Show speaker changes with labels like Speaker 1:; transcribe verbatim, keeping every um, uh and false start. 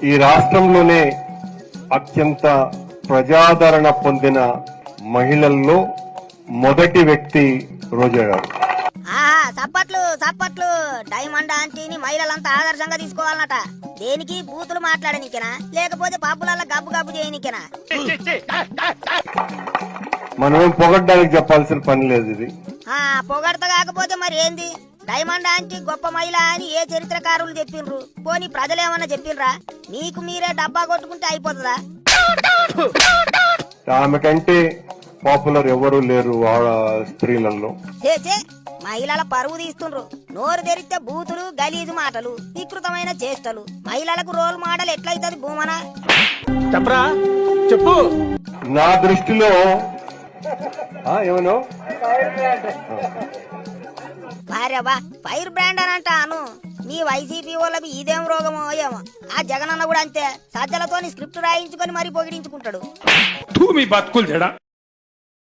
Speaker 1: ఈ రాష్ట్రంలోనే అత్యంత ప్రజాదరణ పొందిన మహిళల్లో మొదటి వ్యక్తి రోజా గారు.
Speaker 2: ఆహా చప్పట్లు చప్పట్లు. డైమండ్ ఆంటీని మహిళలంతా ఆదర్శంగా తీసుకోవాలన్నట. దేనికి బూతులు మాట్లాడనికేనా లేకపోతే పాపులల్లా గబ్బు గబ్బు చేయనికేనా?
Speaker 1: మనమేం పొగడ్డానికి చెప్పాల్సిన పని లేదు. ఇది
Speaker 2: ఆ పొగడత కాకపోతే మరి ఏంది? డైమండ్ ఆంటీ గొప్ప మహిళ అని ఏ చరిత్రకారులు చెప్పిండ్రు? పోనీ ప్రజలేమన్నా చెప్పిండ్రా? నీకు మీరే డబ్బా కొట్టుకుంటే అయిపోతుందా?
Speaker 1: ఆమె కంటే పాపులర్ ఎవరు లేరు స్త్రీలలో.
Speaker 2: చేచే మహిళల పరువు తీస్తుండ్రు. నోరు తెరిస్తే బూతులు గలీజు మాటలు వికృతమైన చేష్టలు. మహిళలకు రోల్ మోడల్ ఎట్లయితది భూమనా?
Speaker 3: చెప్పరా చెప్పు.
Speaker 1: నా దృష్టిలో ఏమను
Speaker 2: భార్యబా ఫైర్ బ్రాండ్ అని అంటాను. మీ వైసీపీ వాళ్ళకి ఇదేం రోగమో ఏమో. ఆ జగనన్న కూడా అంతే, సజ్జలతోని స్క్రిప్ట్ రాయించుకొని మరీ పొగిడించుకుంటాడు.
Speaker 3: మీ బతుకులు చెడా.